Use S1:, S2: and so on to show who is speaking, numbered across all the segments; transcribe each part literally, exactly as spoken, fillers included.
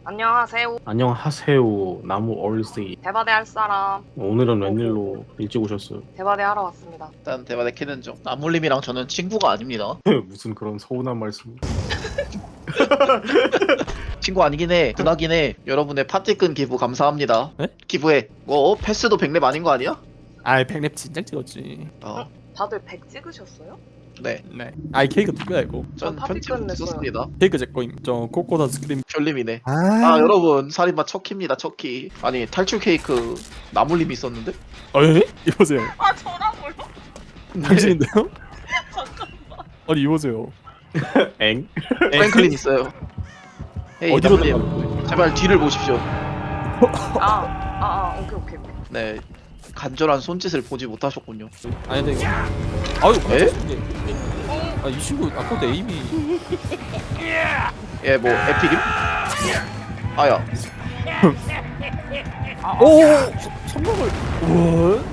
S1: 안녕하세요.
S2: 안녕하세요. 나무 얼씨.
S1: 대바대 할 사람.
S2: 오늘은 웬일로 일찍 오셨어요?
S1: 대바대 하러 왔습니다.
S3: 일단 대화대 키는 중. 나물님이랑 저는 친구가 아닙니다.
S2: 무슨 그런 서운한 말씀.
S3: 친구 아니긴 해. 누나긴 해. 여러분의 파티끈 기부 감사합니다.
S4: 네?
S3: 기부해. 뭐 패스도 백렙 아닌 거 아니야?
S4: 아이 백랩 진작 찍었지.
S3: 어.
S1: 다들 백 찍으셨어요?
S3: 네.
S4: 네. 아이 케이크 누구야 이거?
S3: 전
S1: 파티끈
S3: 편집
S1: 냈어요.
S3: 썼습니다.
S4: 케이크 제 거임. 저 코코다 스크림.
S3: 별님이네.
S4: 아,
S3: 아 여러분 살인마 척키입니다. 척키. 아니 탈출 케이크 나물님이 있었는데?
S4: 에? 이보세요.
S1: 아 저라고요?
S4: 당신인데요?
S1: 잠깐만.
S4: 아니 이보세요.
S2: 엥?
S3: 프랭클린 있어요. 헤이
S4: 어디로
S3: 나물님
S4: 나가는 거예요?
S3: 제발 뒤를 보십시오.
S1: 아아 아, 오케이 오케이 오케이.
S3: 네. 간절한 손짓을 보지 못하셨군요.
S4: 아니 근데 이거. 아유
S3: 에?
S4: 아이 친구 아까부터 에임이.
S3: 예, 뭐 에픽임? 아야.
S4: 오. 선명을. 우와.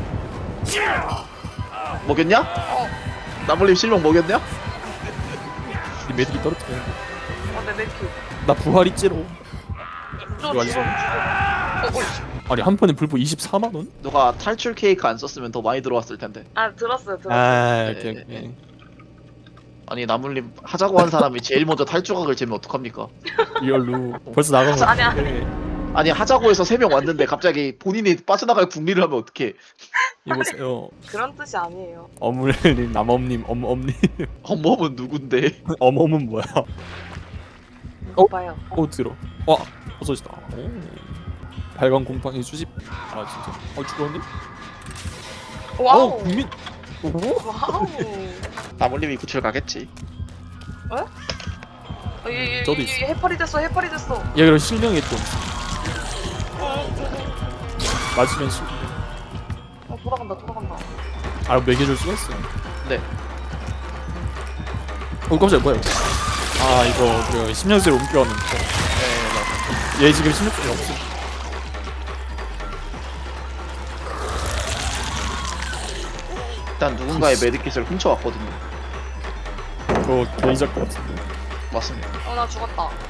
S3: 먹였냐? 나물님 실명 먹였냐?
S4: 이 매듭이 떨어뜨려.
S1: 아내 맥키.
S4: 나 부활 있지로.
S1: 저
S4: 이거
S1: 지금
S4: 아니죠?
S1: 어, 어,
S4: 아니 한 판에 불보 이십사만 원?
S3: 누가 탈출 케이크 안 썼으면 더 많이 들어왔을 텐데.
S1: 아 들었어요 들었어요.
S4: 아,
S3: 네,
S4: 오케이
S3: 네,
S4: 오케이.
S3: 아니 나물님 하자고 한 사람이 제일 먼저 탈출각을 재면 어떡합니까?
S4: 리얼로 벌써 나가고.
S1: 아니야.
S3: 아니 하자고 해서 세 명 왔는데 갑자기 본인이 빠져나갈 궁리를 하면 어떡해?
S4: 이보세요.
S1: 그런 뜻이 아니에요.
S4: 어물님, 남엄님, 엄엄님.
S3: 엄범은 누군데?
S4: 엄엄은 뭐야? 어?
S1: 오빠요.
S4: 어 들어. 와 버섯이다. 오. 발광 공방의 수집. 아 진짜. 어 죽었니?
S1: 와우.
S4: 어 국민. 오.
S1: 와우.
S3: 나물님이 구출 가겠지.
S1: 어, 이, 이,
S4: 저도
S1: 이,
S4: 있어.
S1: 해파리 됐어 해파리 됐어.
S4: 얘 그럼 실명이 좀. 맞으면 실.
S1: 어 돌아간다 돌아간다.
S4: 아 매겨줄 수가 있어.
S3: 네.
S4: 어 깜짝이야 뭐야 이거. 아 이거 그 십년세로 옮겨왔는 거.
S3: 네 맞아.
S4: 얘 지금 십년세가 없어.
S3: 일단 누군가의 메디킷을 훔쳐왔거든요.
S4: 그거 개이작 것 같은데.
S3: 맞습니다.
S1: 어 나 죽었다. 어?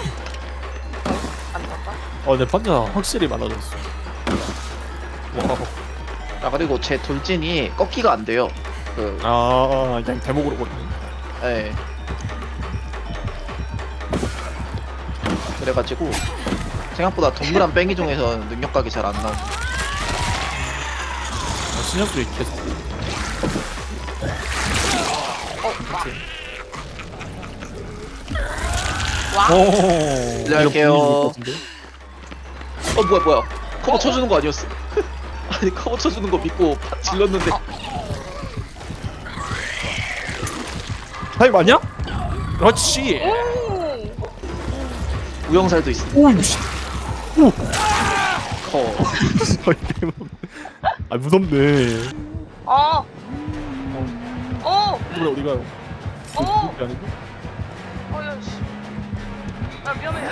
S1: 안 죽었다?
S4: 어 근데 판자 확실히 많아졌어. 와.
S3: 아 그리고 제 돌진이 꺾기가 안 돼요. 그
S4: 아 그냥 대목으로 보네.
S3: 예. 그래가지고 생각보다 동그란 뺑이 중에서 능력각이 잘 안 나오.
S4: 아, 신형들이 계속.
S1: 와.
S4: 오.
S3: 실례할게요.
S4: 이거
S3: 어 뭐야 뭐야 커버 쳐주는 거 아니었어? 아니 커버 쳐주는 거 믿고 파- 질렀는데
S4: 타임 맞냐? 그렇지.
S1: 오.
S3: 우영살도 있어.
S4: 오 씨.
S3: 커.
S4: 아 무섭네.
S1: 어. 어.
S4: 그래 어디 가요?
S1: 어.
S4: 그게 아니고?
S1: 어야 씨. 나 위험해.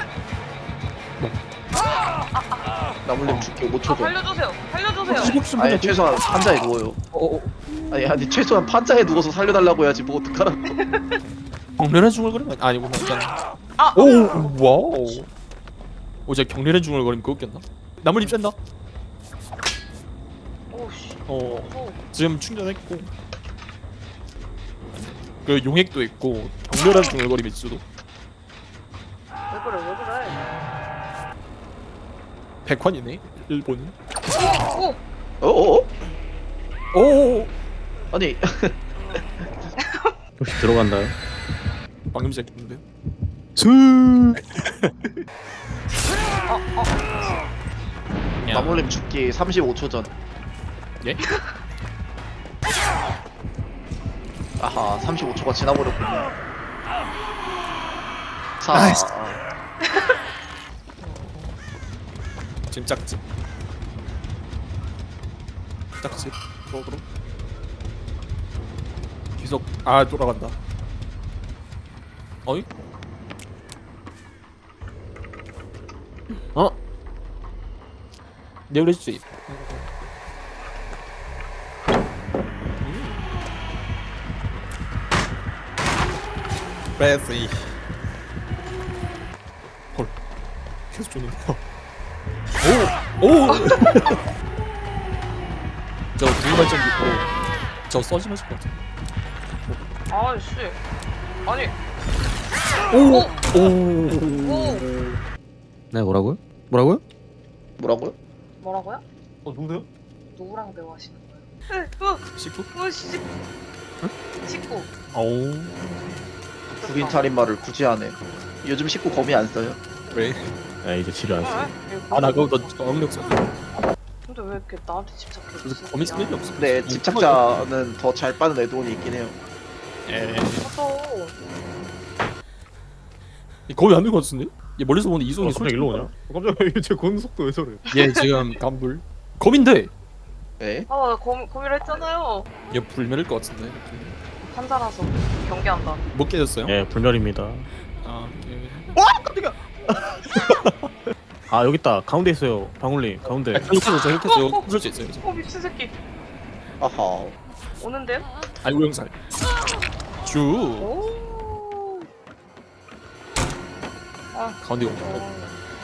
S3: 나물림 죽기 오
S1: 아
S3: 초 전.
S1: 살려주세요. 살려주세요.
S4: 죽었으면
S3: 아니
S4: 그냥
S3: 최소한 판자에 누워요.
S4: 어, 어.
S3: 아니 아니 최소한 판자에 누워서 살려달라고 해야지 뭐 어떡하라고.
S4: 경련의 중얼거림 아니 아니구나 일단.
S1: 아.
S4: 오 와우. 오 제가 경련의 중얼거림 그거 꼈나? 나물 입 샌다.
S1: 오씨.
S4: 어
S1: 오.
S4: 지금 충전했고. 그 용액도 있고 경련의 중얼거림 있어도.
S1: 왜 그래 왜 그래?
S4: 백환이네 일본.
S1: 오.
S3: 어어?
S4: 오
S3: 아니
S2: 혹시 들어간다요?
S4: 방금 시작했는데. 스.
S3: 나물림 죽기 삼십오 초 전.
S4: 예?
S3: 아하 삼십오 초가 지나버렸군요. 사.
S4: 아이씨. 지금 짝집. 짝집. 쪽으로. 계속 아 돌아간다. 어이? 어? 내 그랬지. 베스이. 헐. 계속 쫓는 거. 오! 오! 저 두발전 있고 저 써지면 할것 같아.
S1: 아씨. 아니.
S4: 오!
S1: 오.
S4: 오!
S5: 네 뭐라고요? 뭐라고요?
S3: 뭐라고요?
S1: 뭐라고요?
S2: 어 누구세요?
S1: 누구랑 대화하시는 거예요? 으,
S4: 식구?
S1: 으, 씨. 식구.
S4: 오.
S3: 국인 살인마를 굳이 하네. 요즘 식구 거미 안 써요.
S4: 왜?
S2: 아 이제 치료 안 써.
S4: 아 나 그거 너 어학력 써.
S1: 근데 왜 이렇게 나한테 집착해?
S4: 그래서 거미 쓸 일이 없어.
S3: 근데 집착자는 더 잘 빠는 애돈이 있긴 해요.
S4: 에.
S1: 맞아.
S4: 거미 안 된 것 같은데? 얘 멀리서 보는
S2: 어,
S4: 이송이
S2: 갑자기 일로 오냐? 어, 깜짝이야 제 걷는 속도 왜 저래?
S4: 얘 지금 간불. 거민데
S3: 에?
S1: 아, 나 고민 고민을 했잖아요.
S4: 얘 불멸일 것 같은데.
S1: 판사라서 경계한다.
S4: 못 깨졌어요?
S2: 예 불멸입니다.
S4: 아, 예.
S2: 아 여기 있다 가운데 있어요 방울님 가운데.
S4: 이렇게 이렇게 해서 부술 수 있어요. 이제.
S1: 어 미친 새끼.
S3: 아하.
S1: 오는데요?
S4: 아이고 영살. 주
S1: 오. 아.
S4: 가운데 가.
S1: 어.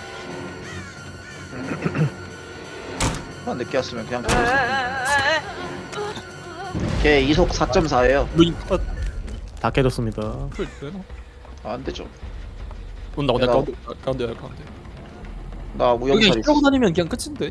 S3: 만 늦게 왔으면 그냥
S1: 에, 에, 에, 에.
S3: 걔 이속 사 점 사예요.
S4: 루인 컷.
S2: 다 깨졌습니다.
S4: 풀 되나?
S3: 아, 안 되죠.
S4: 온다 온다
S3: 내가-
S4: 가운데 가운데 가운데.
S3: 나
S4: 여기
S3: 무용살 있어.
S4: 힐하고 다니면 그냥 끝인데.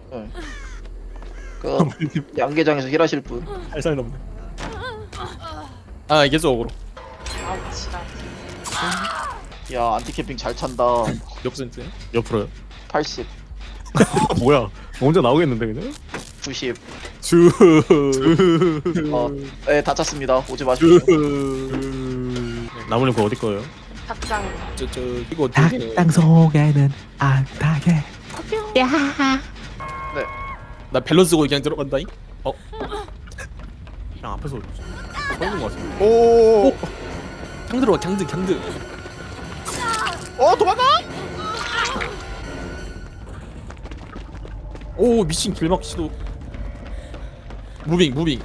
S3: 그 양계장에서 힐하실 분.
S4: 살살 넘네. 아 이게 저거로.
S1: 아 지랄.
S3: 야, 안티캠핑 잘 찬다.
S4: 몇 퍼센트야?
S2: 옆으로요.
S3: 팔십,
S2: 아, 뭐야? 혼자 나오겠는데 그냥?
S3: 구십.
S4: 주.
S3: 어, 네, 다 찼습니다. 오지 마십시오.
S2: 나무님 그거 어디 거예요?
S1: 닭장.
S4: 저저 이거 되게
S5: 땅 속에는 안타게
S4: 나 밸런스 고 그냥 들어간다잉. 어
S2: 그냥 앞에서
S4: 서는 거 같아.
S2: 오.
S4: 강 들어와 강드 강드.
S2: 어 도망가!
S4: 오 미친 길막 시도. 무빙 무빙.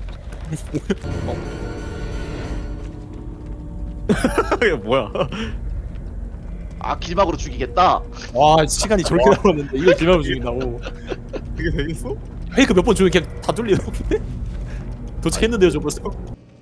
S2: 이게 뭐야?
S3: 아, 길막으로 죽이겠다.
S4: 와 시간이 저렇게 남았는데 이걸 길막으로 죽인다고.
S2: 이게 되겠어?
S4: 페이크 몇 번 주면 그냥 다 뚫리는데? 도착했는데요 저 벌써.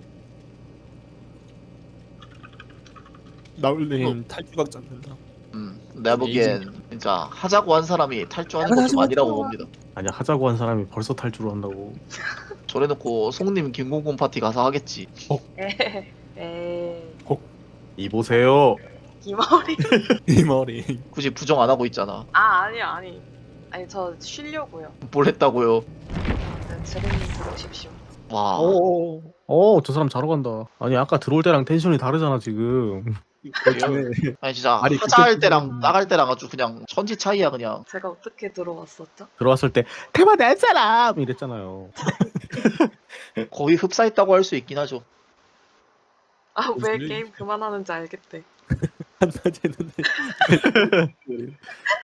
S4: 나울님 탈주각 잡는다.
S3: 음, 내가 보기엔 진짜 하자고 한 사람이 탈주하는 것도
S4: 하지
S3: 아니라고
S4: 마세요.
S3: 봅니다.
S2: 아니야 하자고 한 사람이 벌써 탈주를 한다고.
S3: 저래놓고 송님 김공공 파티 가서 하겠지.
S1: 에. 에.
S2: 이 보세요.
S1: 이머리.
S4: 이 머리.
S3: 굳이 부정 안 하고 있잖아.
S1: 아 아니요 아니. 아니 저 쉬려고요.
S3: 뭘 했다고요?
S1: 네, 제리님 들어오십시오.
S3: 와.
S2: 오. 어저 사람 자러 간다. 아니 아까 들어올 때랑 텐션이 다르잖아 지금.
S3: 아니 진짜
S4: 아니,
S3: 하자 할
S4: 그때-
S3: 때랑 나갈 때랑 아주 그냥 천지 차이야 그냥.
S1: 제가 어떻게 들어왔었죠?
S2: 들어왔을 때 대박 낼 사람 이랬잖아요.
S3: 거의 흡사했다고 할 수 있긴 하죠.
S1: 아 왜
S4: 무슨 일?
S1: 게임 그만하는지 알겠대.
S4: 한마디 했는데.